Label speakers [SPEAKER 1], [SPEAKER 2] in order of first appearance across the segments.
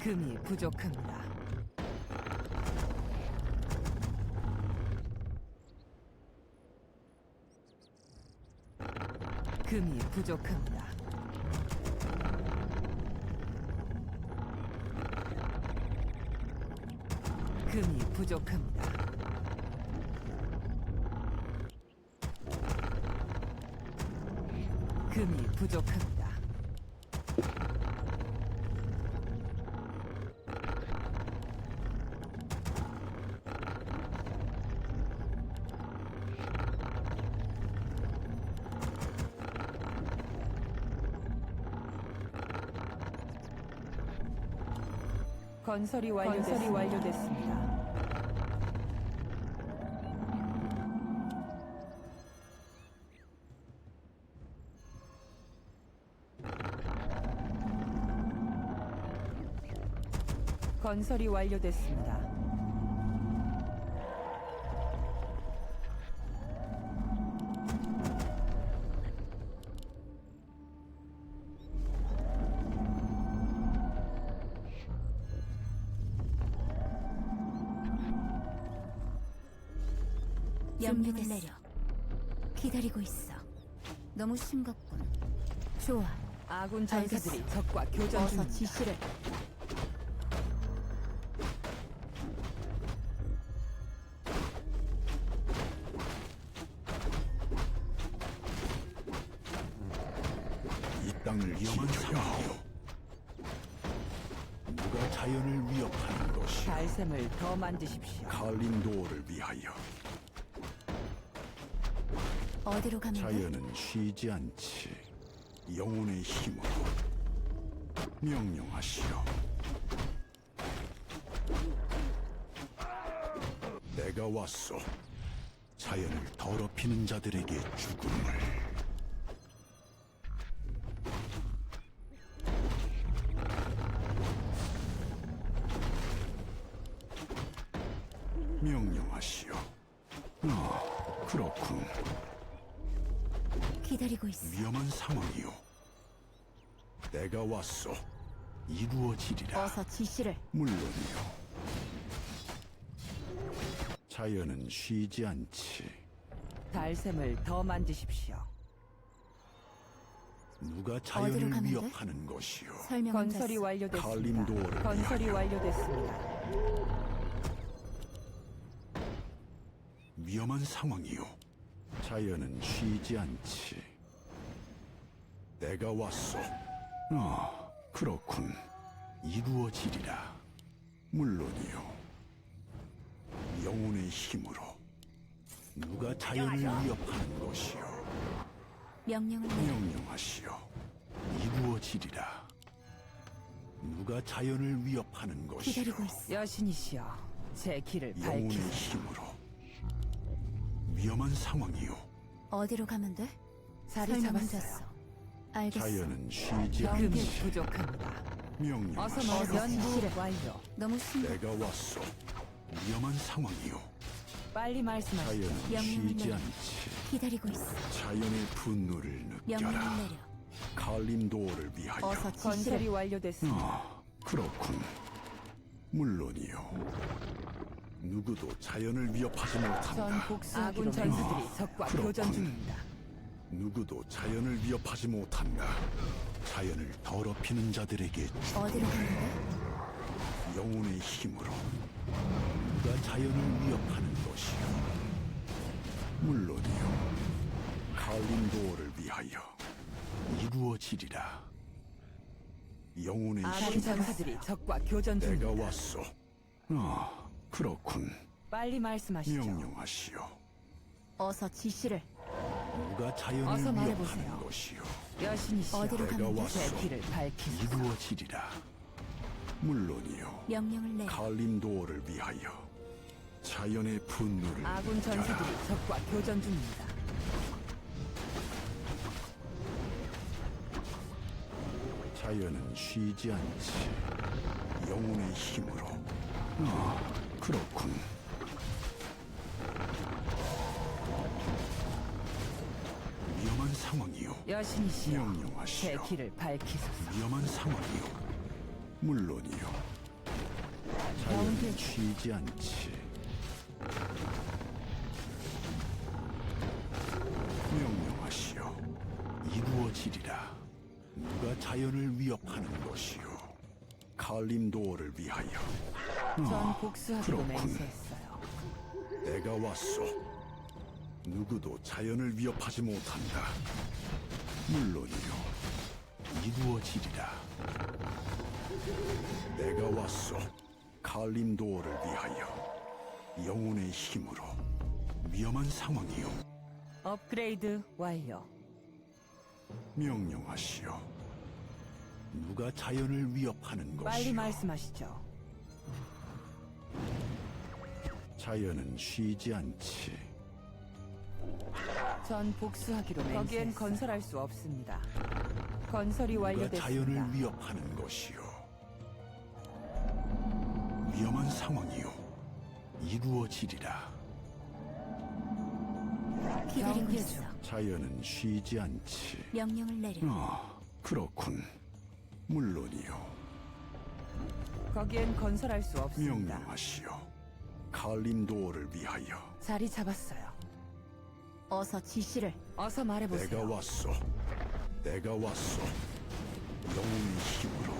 [SPEAKER 1] 금이 부족합니다. 금이 부족합니다. 금이 부족합니다. 금이 부족합니다. 건설이 완료됐습니다. 건설이 완료됐습니다.
[SPEAKER 2] 명령을 내려. 기다리고 있어. 너무 싱겁군. 좋아.
[SPEAKER 1] 아군 전사들이
[SPEAKER 2] 알겠어.
[SPEAKER 1] 적과 교전
[SPEAKER 2] 어서
[SPEAKER 1] 중입니다.
[SPEAKER 2] 지시를.
[SPEAKER 3] 이 땅을 위험한 상황이요. 누가 자연을 위협하는 것이요.
[SPEAKER 1] 달샘을 더 만드십시오.
[SPEAKER 3] 칼림도어를 위하여.
[SPEAKER 2] 어디로 가면 돼?
[SPEAKER 3] 자연은 쉬지 않지. 영혼의 힘으로 명령하시오. 내가 왔소. 자연을 더럽히는 자들에게 죽음을. 명령하시오. 그렇군.
[SPEAKER 2] 기다리고 있어.
[SPEAKER 3] 위험한 상황이요. 내가 왔소. 이루어지리라.
[SPEAKER 2] 어서 지시를.
[SPEAKER 3] 물론이요. 자연은 쉬지 않지.
[SPEAKER 1] 달샘을 더 만드십시오.
[SPEAKER 3] 누가
[SPEAKER 2] 어디로
[SPEAKER 3] 자연을
[SPEAKER 2] 가면 돼?
[SPEAKER 3] 위협하는 것이요.
[SPEAKER 2] 설명은
[SPEAKER 1] 건설이
[SPEAKER 2] 됐어.
[SPEAKER 1] 완료됐습니다.
[SPEAKER 3] 칼림도어를
[SPEAKER 1] 건설이
[SPEAKER 3] 위하여.
[SPEAKER 1] 완료됐습니다.
[SPEAKER 3] 위험한 상황이요. 자연은 쉬지 않지. 내가 왔소. 그렇군. 이루어지리라. 물론이요. 영혼의 힘으로. 누가 자연을 위협하는 것이요.
[SPEAKER 2] 명령을 내려.
[SPEAKER 3] 명령하시오. 이루어지리라. 누가 자연을 위협하는 것이요.
[SPEAKER 2] 기다리고 있어.
[SPEAKER 1] 여신이시여, 제 길을
[SPEAKER 3] 영혼의
[SPEAKER 1] 밝히소서.
[SPEAKER 3] 힘으로. 위험한 상황이요.
[SPEAKER 2] 어디로 가면 돼?
[SPEAKER 1] 자리
[SPEAKER 2] 설명은
[SPEAKER 1] 잡았어요.
[SPEAKER 2] 됐어. 알겠어.
[SPEAKER 3] 자연은 쉬지
[SPEAKER 1] 금이
[SPEAKER 3] 않지.
[SPEAKER 1] 부족합니다. 어서
[SPEAKER 3] 명령하시오.
[SPEAKER 1] 말해. 연구
[SPEAKER 2] 지시를.
[SPEAKER 1] 완료.
[SPEAKER 2] 너무 싱겁.
[SPEAKER 3] 내가 왔소. 위험한 상황이요.
[SPEAKER 1] 빨리 말씀하시오.
[SPEAKER 3] 자연은
[SPEAKER 2] 명령을
[SPEAKER 3] 쉬지
[SPEAKER 2] 내려.
[SPEAKER 3] 않지.
[SPEAKER 2] 기다리고 있어.
[SPEAKER 3] 자연의 분노를
[SPEAKER 2] 명령을
[SPEAKER 3] 느껴라.
[SPEAKER 2] 내려.
[SPEAKER 3] 칼림도어를 위하여.
[SPEAKER 2] 어서
[SPEAKER 1] 건설이
[SPEAKER 2] 지시를.
[SPEAKER 1] 완료됐습니다.
[SPEAKER 3] 그렇군. 물론이요. 누구도 자연을 위협하지
[SPEAKER 1] 전
[SPEAKER 3] 못한다.
[SPEAKER 1] 복수하기로
[SPEAKER 2] 아군
[SPEAKER 1] 전사들이 적과
[SPEAKER 3] 그렇군.
[SPEAKER 1] 교전 중입니다.
[SPEAKER 3] 누구도 자연을 위협하지 못한다. 자연을 더럽히는 자들에게
[SPEAKER 2] 어디로 가면 돼?
[SPEAKER 3] 영혼의 힘으로. 누가 자연을 위협하는 것이요. 물론이요. 칼림도어를 위하여. 이루어지리라. 영혼의
[SPEAKER 1] 아군
[SPEAKER 3] 힘으로.
[SPEAKER 1] 전사들이 적과 교전
[SPEAKER 3] 내가
[SPEAKER 1] 중입니다.
[SPEAKER 3] 왔소. 그렇군.
[SPEAKER 1] 빨리 말씀하시죠.
[SPEAKER 3] 명령하시오.
[SPEAKER 2] 어서 지시를.
[SPEAKER 3] 누가 자연을
[SPEAKER 1] 어서
[SPEAKER 3] 위협하는
[SPEAKER 1] 말해보세요.
[SPEAKER 3] 것이요.
[SPEAKER 1] 여신이시여,
[SPEAKER 2] 어디로
[SPEAKER 3] 내가
[SPEAKER 2] 가면 돼?
[SPEAKER 3] 왔소.
[SPEAKER 1] 제 길을 밝히소서.
[SPEAKER 3] 이루어지리라. 물론이요.
[SPEAKER 2] 명령을 내려.
[SPEAKER 3] 칼림도어를 위하여. 자연의 분노를
[SPEAKER 1] 아군
[SPEAKER 3] 느껴라.
[SPEAKER 1] 전사들이 적과 교전 중입니다.
[SPEAKER 3] 자연은 쉬지 않지. 영혼의 힘으로. 그렇군. 위험한 상황이요.
[SPEAKER 1] 여신이시여, 제
[SPEAKER 3] 명령하시오.
[SPEAKER 1] 길을 밝히소서.
[SPEAKER 3] 위험한 상황이요. 물론이요. 자연은 쉬지 않지. 명령하시오. 이루어지리라. 누가 자연을 위협하는 것이오. 칼림도어를 위하여.
[SPEAKER 1] 전 복수하기로
[SPEAKER 3] 그렇군.
[SPEAKER 1] 맹세했어요.
[SPEAKER 3] 내가 왔소. 누구도 자연을 위협하지 못한다. 물론이요. 이루어지리라. 내가 왔소. 칼림도어를 위하여. 영혼의 힘으로. 위험한 상황이요.
[SPEAKER 1] 업그레이드 완료.
[SPEAKER 3] 명령하시오. 누가 자연을 위협하는 것이요.
[SPEAKER 1] 빨리 말씀하시죠.
[SPEAKER 3] 자연은 쉬지 않지.
[SPEAKER 1] 전 복수하기로 맹세했어요. 거기엔 건설할 수 없습니다. 건설이
[SPEAKER 3] 누가
[SPEAKER 1] 완료됐습니다.
[SPEAKER 3] 자연을 위협하는 것이요. 위험한 상황이요. 이루어지리라.
[SPEAKER 2] 기다리고
[SPEAKER 1] 경계
[SPEAKER 2] 있어.
[SPEAKER 1] 중.
[SPEAKER 3] 자연은 쉬지 않지.
[SPEAKER 2] 명령을 내려.
[SPEAKER 3] 그렇군. 물론이요.
[SPEAKER 1] 거기엔 건설할 수 없습니다.
[SPEAKER 3] 명령하시오. 칼림도어를 위하여.
[SPEAKER 1] 자리 잡았어요.
[SPEAKER 2] 어서 지시를.
[SPEAKER 1] 어서 말해보세요.
[SPEAKER 3] 내가 왔소. 내가 왔소. 영웅의 힘으로.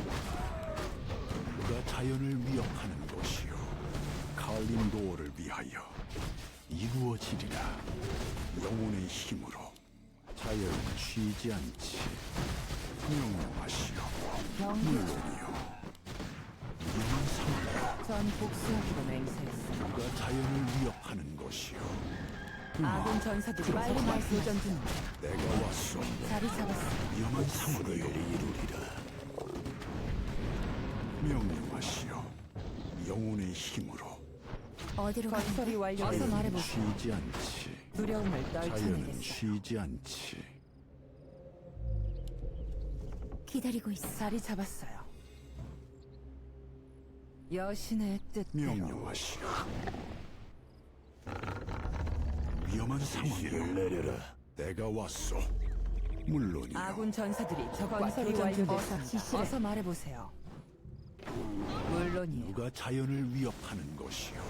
[SPEAKER 3] 누가 자연을 위협하는 것이요. 칼림도어를 위하여. 이루어지리라. 영혼의 힘으로. 자연은 쉬지 않지. 명령하시오.
[SPEAKER 1] 경계 중.
[SPEAKER 3] 물론이요. 위험한 상황이요.
[SPEAKER 1] 전 복수하기로 맹세했어요.
[SPEAKER 3] 누가 자연을 위협하는 것이요.
[SPEAKER 1] 아군 전사들이 빨리 교전 중입니다.
[SPEAKER 3] 내가 왔소.
[SPEAKER 1] 자리 잡았어요.
[SPEAKER 3] 위험한 상황이요. 이루리라. 명령하시오. 영혼의 힘으로.
[SPEAKER 2] 어디로
[SPEAKER 1] 건설이
[SPEAKER 2] 가는데?
[SPEAKER 1] 완료됐습니다. 어서
[SPEAKER 3] 자연은
[SPEAKER 1] 말해보세요.
[SPEAKER 3] 쉬지 않지.
[SPEAKER 1] 두려움을
[SPEAKER 3] 자연은
[SPEAKER 1] 떨쳐내겠어요.
[SPEAKER 3] 쉬지 않지.
[SPEAKER 2] 기다리고 있어.
[SPEAKER 1] 자리 잡았어요. 여신의 뜻대로.
[SPEAKER 3] 명령하시오. 위험한 상황이요. 내려라. 내가 왔소. 물론이요.
[SPEAKER 1] 아군 전사들이 적과 건설이
[SPEAKER 2] 어서
[SPEAKER 1] 완료됐습니다.
[SPEAKER 2] 지시를.
[SPEAKER 1] 어서 말해보세요. 물론이요.
[SPEAKER 3] 누가 자연을 위협하는 것이요.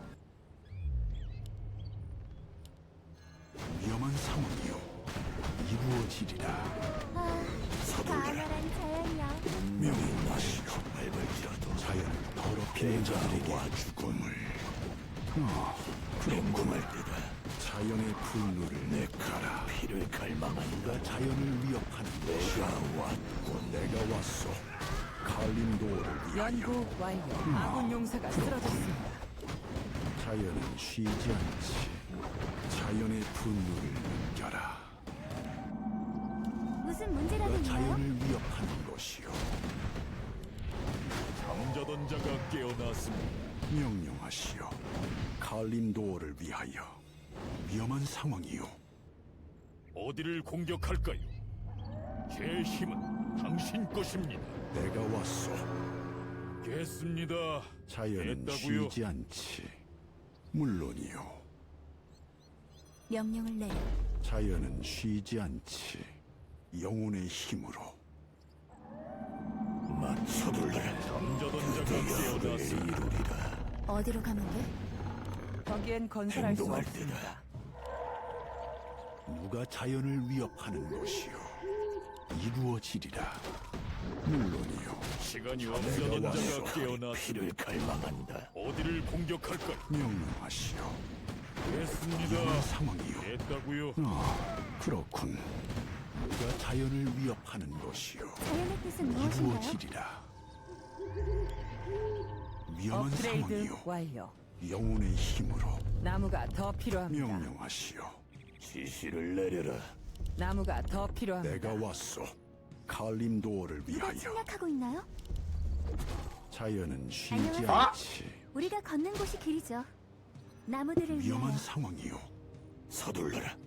[SPEAKER 3] 위험한 상황이요. 이루어지리라.
[SPEAKER 2] 가을한 자연이야.
[SPEAKER 3] 명령하시오. 밟을지라도 자연을 더럽히는 자들에게 죽음을. 궁금할 때다. 자연의 분노를 내가라. 피를 갈망한다. 누가 자연을 위협하는 것이야. 내가 왔고 내가 왔소. 칼림도어를 위하여.
[SPEAKER 1] 연구 완료. 아군 용사가 쓰러졌습니다.
[SPEAKER 3] 자연은 쉬지 않지. 자연의 분노를 느껴라.
[SPEAKER 2] 무슨 문제라도
[SPEAKER 3] 누가
[SPEAKER 2] 있나요?
[SPEAKER 3] 자연을 위협하는 것이요.
[SPEAKER 4] 잠자던 자가 깨어났습니다.
[SPEAKER 3] 명령하시오. 칼림도어를 위하여. 위험한 상황이요.
[SPEAKER 4] 어디를 공격할까요? 제 힘은 당신 것입니다.
[SPEAKER 3] 내가 왔소.
[SPEAKER 4] 됐습니다.
[SPEAKER 3] 자연은
[SPEAKER 4] 됐다고요.
[SPEAKER 3] 쉬지 않지. 물론이요.
[SPEAKER 2] 명령을 내려.
[SPEAKER 3] 자연은 쉬지 않지. 영혼의 힘으로. 서둘러라.
[SPEAKER 4] 잠자던 자가 깨어났습니다.
[SPEAKER 2] 어디로 가면 돼?
[SPEAKER 1] 거기엔 건설할 수 없습니다.
[SPEAKER 3] 누가 자연을 위협하는 것이요. 이루어지리라. 물론이요.
[SPEAKER 4] 시간이 잠자던 자가 깨어났습니다.
[SPEAKER 3] 피를 갈망한다.
[SPEAKER 4] 어디를 공격할까요?
[SPEAKER 3] 명령하시오.
[SPEAKER 4] 됐습니다.
[SPEAKER 3] 위험한 상황이요.
[SPEAKER 4] 됐다고요.
[SPEAKER 3] 그렇군. 누가 자연을 위협하는 것이요.
[SPEAKER 2] 자연의 뜻은 무엇인가요?
[SPEAKER 3] 이루어지리라. 위험한
[SPEAKER 1] 업그레이드
[SPEAKER 3] 상황이요.
[SPEAKER 1] 완료.
[SPEAKER 3] 영혼의 힘으로.
[SPEAKER 1] 나무가 더 필요합니다.
[SPEAKER 3] 명령하시오.
[SPEAKER 5] 지시를 내려라.
[SPEAKER 1] 나무가 더 필요합니다.
[SPEAKER 3] 내가 왔소. 칼림도어를
[SPEAKER 2] 누가
[SPEAKER 3] 위하여.
[SPEAKER 2] 침략하고 있나요?
[SPEAKER 3] 자연은 쉬지
[SPEAKER 2] 안녕하세요.
[SPEAKER 3] 않지.
[SPEAKER 2] 우리가 걷는 곳이 길이죠. 나무들을
[SPEAKER 3] 위험한
[SPEAKER 2] 위하여.
[SPEAKER 3] 상황이요.
[SPEAKER 5] 서둘러라.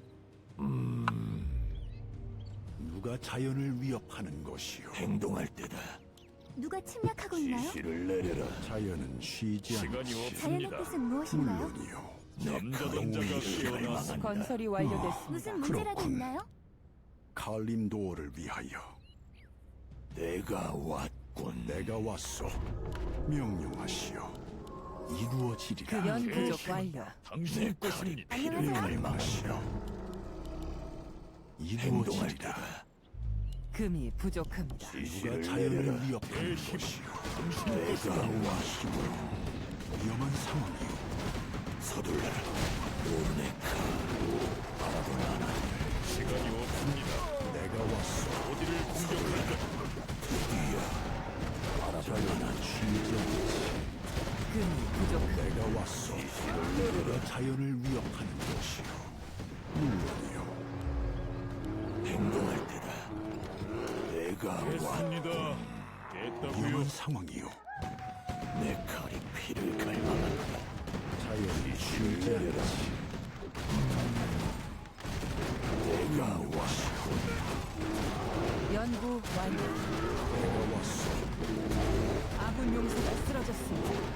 [SPEAKER 3] 누가 자연을 위협하는 것이요.
[SPEAKER 5] 행동할 때다.
[SPEAKER 2] 누가 침략하고 있나요?
[SPEAKER 5] 지시를 내려라.
[SPEAKER 3] 자연은 쉬지
[SPEAKER 4] 시간이
[SPEAKER 3] 않지.
[SPEAKER 2] 자연의
[SPEAKER 4] 없습니다.
[SPEAKER 2] 뜻은 무엇인가요?
[SPEAKER 3] 물론이요.
[SPEAKER 4] 잠자던 자가 깨어났습니다.
[SPEAKER 1] 건설이 완료됐습니다.
[SPEAKER 2] 무슨 문제라도
[SPEAKER 3] 그렇군.
[SPEAKER 2] 있나요?
[SPEAKER 3] 칼림도어를 위하여.
[SPEAKER 5] 내가 왔군.
[SPEAKER 3] 내가 왔소. 명령하시오. 이루어지리라.
[SPEAKER 1] 그 연 부족 완료.
[SPEAKER 4] 당신의 것입니다.
[SPEAKER 2] 안녕하세요.
[SPEAKER 3] 명령하시오.
[SPEAKER 5] 행동할
[SPEAKER 3] 이루어지리라.
[SPEAKER 5] 때다.
[SPEAKER 1] 금이 부족합니다.
[SPEAKER 3] 누가
[SPEAKER 5] 지시를
[SPEAKER 3] 자연을
[SPEAKER 5] 내려라.
[SPEAKER 3] 위협하는
[SPEAKER 4] 내
[SPEAKER 3] 것이오.
[SPEAKER 5] 내가
[SPEAKER 3] 가와 힘으로 위험한 상황이오.
[SPEAKER 5] 서둘러라. 오네카. 바라보나.
[SPEAKER 4] 시간이 없습니다.
[SPEAKER 3] 내가 왔소.
[SPEAKER 4] 어디를 공격할까?
[SPEAKER 3] 자연은 쉬지 않지.
[SPEAKER 1] 금이 부족합니다.
[SPEAKER 3] 내가 왔소. 내가 자연을 위협하는 것이오. 물론이요.
[SPEAKER 5] 행동할 때다. 내가 와.
[SPEAKER 4] 됐습니다. 됐다고요.
[SPEAKER 3] 위험한 상황이요.
[SPEAKER 5] 내 칼이 피를 갈망한다.
[SPEAKER 3] 자연이 쉬지 않지.
[SPEAKER 5] 내가 왔소.
[SPEAKER 1] 연구 완료.
[SPEAKER 3] 내가 왔소.
[SPEAKER 1] 아군 용사가 쓰러졌습니다.